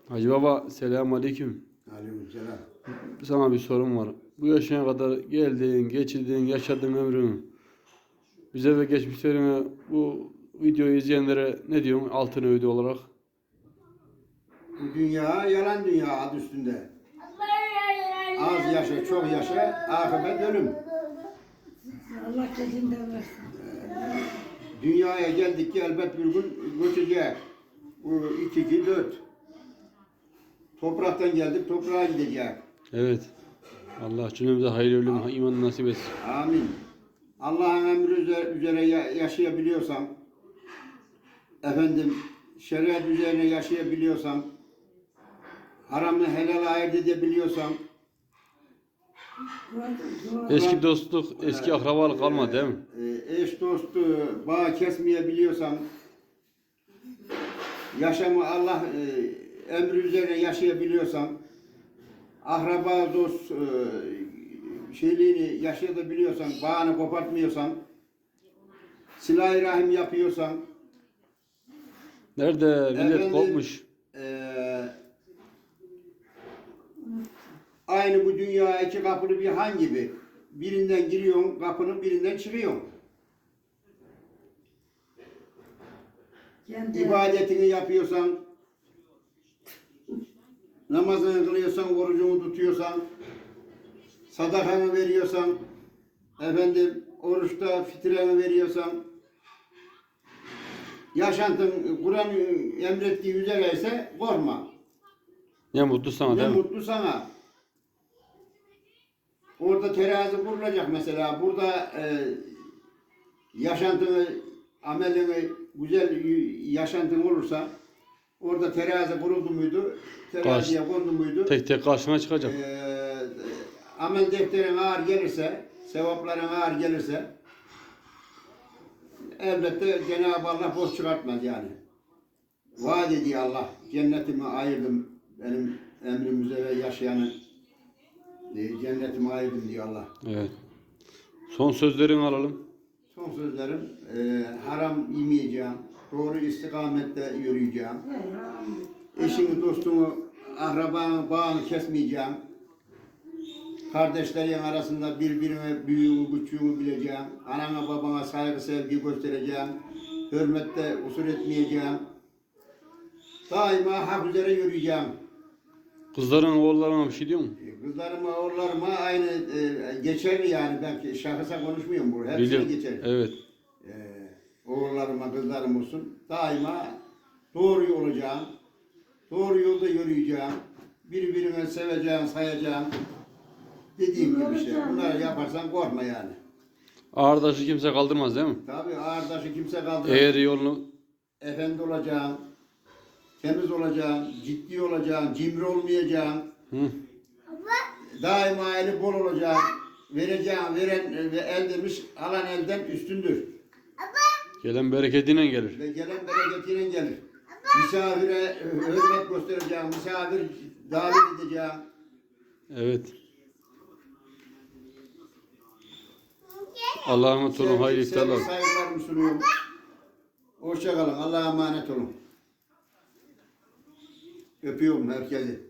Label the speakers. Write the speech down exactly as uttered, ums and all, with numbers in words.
Speaker 1: Hacı Baba, selamun aleyküm.
Speaker 2: Aleykümselam.
Speaker 1: Sana bir sorum var. Bu yaşına kadar geldin, geçirdin, yaşadığın ömrünü bize ve geçmişlerine, bu videoyu izleyenlere ne diyorsun altın öğüdü olarak?
Speaker 2: Bu dünya yalan dünya adı üstünde. Az yaşa, çok yaşa, akıbet ölüm.
Speaker 3: Allah gecinden versin.
Speaker 2: Dünyaya geldik ki elbet bir gün göçecek. Bu iki, iki, dört. Topraktan geldik, toprağa gidecek.
Speaker 1: Evet. Allah cümlemize hayırlı ölüm, iman nasip etsin.
Speaker 2: Amin. Allah'ın emri üze- üzere ya- yaşayabiliyorsam, efendim şeriat üzerine yaşayabiliyorsam, haramı helal ayırt edebiliyorsam,
Speaker 1: Eski dostluk, eski akrabalık kalmadı değil mi?
Speaker 2: e, eş dostu bağ kesmeyebiliyorsam, yaşamı Allah e, emri üzerine yaşayabiliyorsam, akraba dost e, şeyliğini yaşayabiliyorsam, bağını kopartmıyorsam, silah-ı rahim yapıyorsam,
Speaker 1: Nerede millet
Speaker 2: Efendim,
Speaker 1: kopmuş.
Speaker 2: e, aynı bu dünya iki kapılı bir han gibi. Birinden giriyorsun kapının, birinden çıkıyorsun.
Speaker 3: Kendi
Speaker 2: İbadetini yapıyorsan, namazını kılıyorsan, orucunu tutuyorsan, sadakanı veriyorsan, efendim oruçta fitreni veriyorsan, yaşantın Kur'an emrettiği üzere ise korkma.
Speaker 1: Ne mutlu sana
Speaker 2: Ne
Speaker 1: değil mi?
Speaker 2: mutlu sana. Orada terazi kurulacak mesela. Burada e, yaşantını, amelini, güzel yaşantın olursa orada terazi kuruldu muydu? Teraziye kondu muydu?
Speaker 1: Tek tek karşına çıkacak.
Speaker 2: E, amel defterin ağır gelirse, sevapların ağır gelirse elbette Cenab-ı Allah boş çıkartmaz yani. Vaat ediyor Allah. Cennetimi ayırdım benim emrimize ve yaşayanı. E, Cennetimi ayırdım diyor Allah.
Speaker 1: Evet. Son sözlerini alalım.
Speaker 2: Son sözlerim, e, haram yemeyeceğim, doğru istikamette yürüyeceğim, eşimi, dostumu, akrabanı, bağını kesmeyeceğim, kardeşlerin arasında birbirine büyüğümü, küçüğümü bileceğim, anama, babama saygı, sevgi göstereceğim, hürmette usul etmeyeceğim, daima hak üzere yürüyeceğim.
Speaker 1: Kızların, oğullarına bir şey diyor mu?
Speaker 2: Kızlarıma, oğullarıma aynı e, geçerli yani, ben şahısa konuşmuyorum bu, hepsine
Speaker 1: Biliyorum.
Speaker 2: geçerli.
Speaker 1: Evet.
Speaker 2: Ee, oğullarıma, kızlarım olsun. Daima doğru yol olacağım. Doğru yolda yürüyeceğim. Birbirine seveceğim, sayacağım. Dediğim gibi şey. Bunları yaparsan korkma yani.
Speaker 1: Ağır taşı kimse kaldırmaz değil mi?
Speaker 2: Tabii ağır taşı kimse kaldıramaz.
Speaker 1: Eğer yolunu
Speaker 2: Efendi olacağım. Temiz olacağım. Ciddi olacağım. Cimri olmayacağım.
Speaker 1: hı,
Speaker 2: Daima eli bol olacağım. Vereceğim. Veren ve el demiş, alan elden üstündür.
Speaker 1: gelen bereketiyle gelir.
Speaker 2: Ve gelen bereketiyle gelir. Misafire hürmet göstereceğim, misafir davet edeceğim.
Speaker 1: Evet. Allah'a emanet olun. Hayırlı
Speaker 2: Sevgi, sevgi,
Speaker 1: iftarlar.
Speaker 2: saygılarımı sunuyorum. Hoşça kalın. Allah'a emanet olun. Öpüyorum herkesi.